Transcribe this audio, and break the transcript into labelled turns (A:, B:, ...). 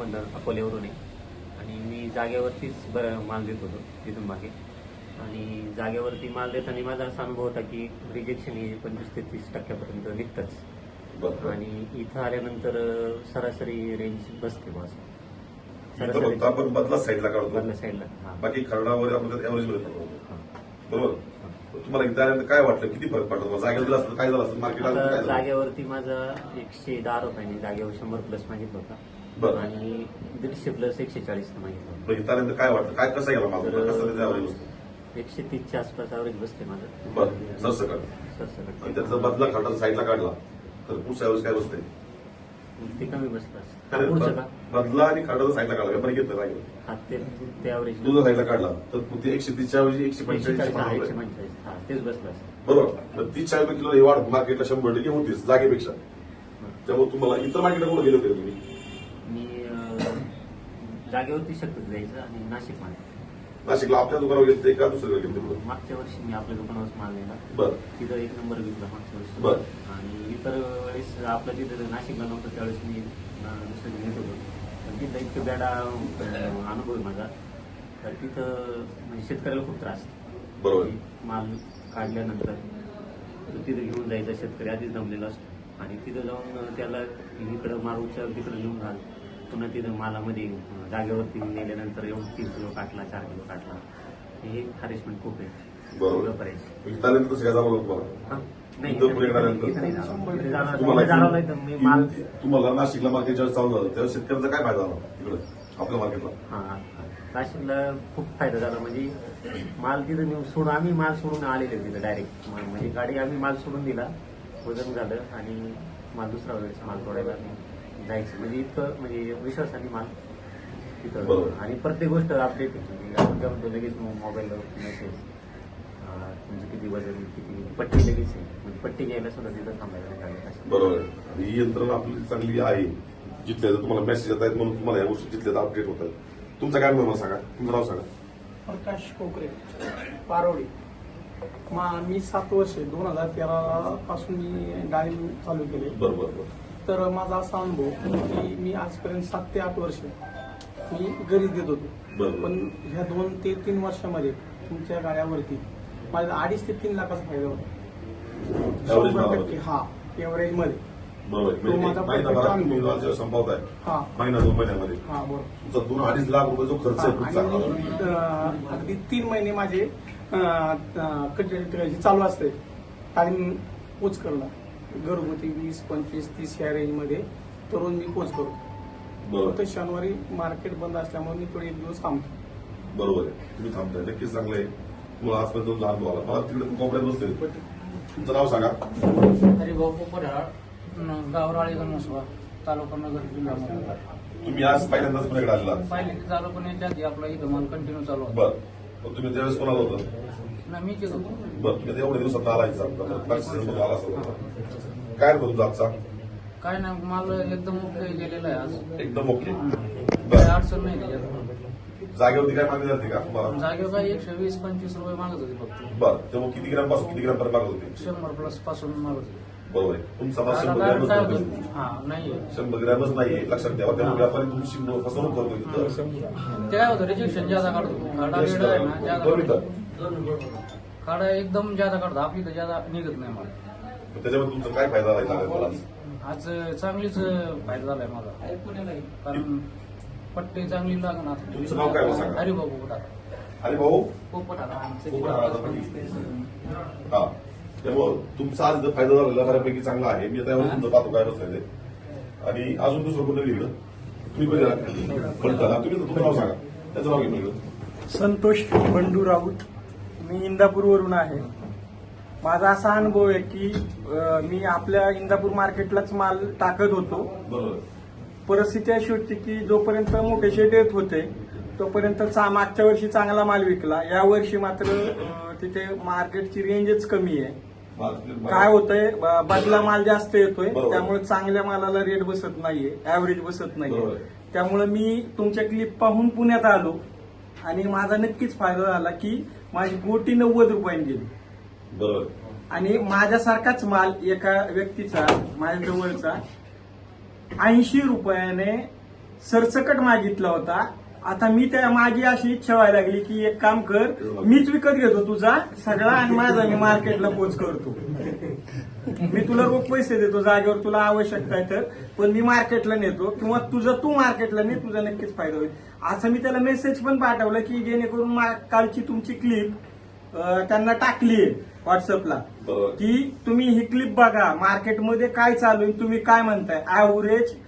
A: गावामधनं अकोल्यावरून आहे आणि मी जागेवरतीच माल देत होतो तिथून मागे. आणि जागेवरती माल देताना माझा असा अनुभव होता की रिजेक्शन हे 25 ते 30% निघतंच. आणि इथं आल्यानंतर सरासरी रेंज बसते बस.
B: आपण बदला साईडला काढतो,
A: बदला साईडला. बाकी
B: खरडावर आपण एव्हरेज मध्ये पडतो. बरोबर. तुम्हाला एकदा आल्यानंतर काय वाटलं, किती फरक पडतो? जागेवर दिला असतं काय झालं असतं? मार्केट
A: जागेवरती माझा 110 रुपयांनी जागेवर 100+ मागितलं होता आणि 150 + 140 मागितलं.
B: त्यानंतर काय वाटतं, काय कसं गेला माल, कसं त्याचा एव्हरेज बसतो?
A: 130च्या आसपास एव्हरेज बसते माझं.
B: बरं, सरसकट. आणि त्याचा बदला खरडा साईडला काढला तर पुढचा एव्हरेज काय बसते?
A: ते कमी बसलं.
B: बदला आणि खरडा साईडला काढला, व्यापारी घेतलं जागेवर.
A: हा ते एव्हरेज
B: तुझा साईडला काढला तर ते 130च्या ऐवजी 145
A: तेच बसलं.
B: बरोबर. 30-40 किलो ही वाढ मार्केटला 100% होतीच जागेपेक्षा. त्यामुळे तुम्हाला इतर मार्केटला कुठे गेले होते तुम्ही?
A: मी जागेवरती शक्यतो द्यायचं आणि
B: नाशिकला आपल्या दुकानावर गेले का दुसरीकडे गेले?
A: मागच्या वर्षी मी आपल्या दुकानावर माल नेला.
B: बरं.
A: तिथं 1 नंबर विकला मागच्या वर्षी.
B: बरं.
A: आणि इतर वेळेस आपलं तिथं नाशिकला नव्हतं त्यावेळेस मी दुसरीकडे घेत होतो. पण तिथं इतकं बेडा अनुभव आहे माझा. तर तिथं म्हणजे शेतकऱ्याला खूप त्रास.
B: बरोबर.
A: माल काढल्यानंतर तिथं घेऊन जायचा शेतकरी आधीच दमलेला असतो आणि तिथं जाऊन त्याला इकडं माल उचल तिकडं घेऊन घाल, पुन्हा तिथं मालामध्ये जागेवरती नेल्यानंतर येऊन 3 किलो काटला, 4 किलो काटला. हे हॅरेसमेंट खूप आहे.
B: बरोबर. तुम्हाला नाशिकला मार्केट जेव्हा चालू झालं तेव्हा शेतकऱ्यांचा काय फायदा झाला तिकडे आपल्या मार्केटला?
A: नाशिकला खूप फायदा झाला. म्हणजे माल तिथं नेऊन सोडून आम्ही माल सोडून आलेले तिथं डायरेक्ट. म्हणजे गाडी आम्ही माल सोडून दिला, वजन झालं आणि माल दुसरा वेळेस माल तोडायला जायचं. म्हणजे इतकं म्हणजे विश्वासाने माल तिथं. आणि प्रत्येक गोष्ट अपडेट होती. आपण काय म्हणतो लगेच मोबाईलवर मेसेज तुमचं किती वजन, किती पट्टी लगेच आहे. म्हणजे पट्टी घ्यायला सुद्धा तिथं थांबायला.
B: बरोबर. आणि ही यंत्रणा आपली चांगली आहे. जिथल्या तुम्हाला मेसेज येत आहेत म्हणून तुम्हाला या गोष्टी जिथल्या अपडेट होत आहेत. तुमचा काय अनुभव सांगा, तुमचं नाव सांगा.
C: प्रकाश कोकरे, पारोडी. मी 7 वर्ष 2013 पासून मी डाळिंब चालू केले.
B: बरोबर.
C: तर माझा असा अनुभव की मी आजपर्यंत 7 ते 8 वर्ष मी घरीच देत होतो. पण ह्या 2 ते 3 वर्षामध्ये तुमच्या गाड्यावरती माझा 2.5 ते 3 लाखाचा फायदा होता. 100%. हा, एव्हरेज मध्ये.
B: तो माझा संपवत आहे. महिना 2 महिन्यामध्ये.
C: हा, बरोबर.
B: तुमचा 2-2.5 लाख रुपये जो खर्च आहे
C: अगदी 3 महिने माझे चालू असते टाइम पोच करणं घरगुती 20, 25, 30 या रेंजमध्ये तरुण मी पोच करतो. फक्त शनिवारी मार्केट बंद असल्यामुळे मी थोडे 1 दिवस थांबतो.
B: बरोबर आहे, तुम्ही थांबताय, नक्कीच चांगलं आहे. तुम्हाला आजपर्यंत लहान भाऊ आला, मला तिकडे कोपऱ्यात बसले. तुमचं नाव सांगा.
D: हरिभाऊ पोपटराळ, गावराळी गणमसवा, तालुका नगर, जिल्हा मुंबई.
B: तुम्ही आज पहिल्यांदाच पुण्याकडे आलेला?
D: पहिले चालू पण याच्या आधी आपला इथं माल कंटिन्यू चालू होता.
B: बरं. तुम्ही त्यावेळेस कोणाला होतं?
D: नाही, मीच येत होतो.
B: बरं. तुम्ही एवढ्या दिवसात आला आला असेल. काय होतं तुमचा आजचा?
D: काय नाही, माल एकदम ओके गेलेला आहे आज.
B: एकदम ओके.
D: काही अडचण नाही त्याच्यात.
B: जागेवरती काय मागणी जाते का तुम्हाला?
D: जागेवर काय 120-25 रुपये मागत होते फक्त.
B: बरं. तेव्हा किती ग्रॅम पासून किती ग्रॅम पर्यंत मागत होते?
D: 100+ पासून मागत होते.
B: बरोबर आहे. तुमचा माल 100 ग्रॅमच नाही.
D: हा, नाही
B: 100 ग्रॅमच नाहीये, लक्षात ठेवा. त्यामुळे व्यापारी तुमची फसवणूक करतो तिथं.
D: ते काय होतं, रिजेक्शन ज्यादा काढतो. खाडा वेळ आहे ना, ज्यादा खाडा एकदम ज्यादा काढतो. आपली तर ज्यादा निघत नाही मला.
B: त्याच्यामध्ये तुमचा काय फायदा राहिला मला?
D: आज चांगलीच फायदा झालाय मला, कारण पट्टी चांगली लागणार.
B: तुमचं नाव काय सांगा?
D: हरिभाऊ पोपटाळ.
B: हरिभाऊ
D: पोपटाळ.
B: हा. त्यामुळे तुमचा आज फायदा झालेला बऱ्यापैकी चांगला आहे. मी आता तुमचं पाहतो काय बसलाय ते. आणि अजून दुसरं कोणतं लिहिलं तुम्ही पण तुम्ही तुमचं नाव सांगा, त्याचं नाव घेऊन.
E: संतोष बंडू राऊत, मी इंदापूरवरून आहे. माझा असा अनुभव आहे की मी आपल्या इंदापूर मार्केटलाच माल टाकत होतो.
B: बरोबर.
E: परिस्थिती अशी होती की जोपर्यंत मोठे शेट येत होते तोपर्यंत मागच्या वर्षी चांगला माल विकला. या वर्षी मात्र तिथे मार्केटची रेंजच कमी आहे. काय होतंय, बदला माल जास्त येतोय, त्यामुळे चांगल्या मालाला रेट बसत नाहीये, ऍव्हरेज बसत नाहीये. त्यामुळे मी तुमच्या क्लिप पाहून पुण्यात आलो आणि माझा नक्कीच फायदा झाला की माझी गोटी 90 रुपयांनी गेली.
B: बरोबर.
E: आणि माझ्यासारखाच माल एका व्यक्तीचा माझ्या जवळचा 80 रुपयाने सरसकट मागितला होता. आता मी त्या माझी अशी इच्छा व्हायला लागली की एक काम कर, मीच विकत घेतो तुझा सगळा आणि माझा मी मार्केटला पोच करतो. मी तुला रोख पैसे देतो जागेवर तुला आवश्यकता आहे तर, पण मी मार्केटला नेतो किंवा तुझं तू मार्केटला ने, तुझा नक्कीच फायदा होईल. असं मी त्याला मेसेज पण पाठवलं की जेणेकरून कालची तुमची क्लिप त्यांना टाकलीये व्हॉट्सअपला
B: बरोबर.
E: की तुम्ही ही क्लिप बघा, मार्केटमध्ये काय चालू आहे, तुम्ही काय म्हणताय, ऍव्हरेज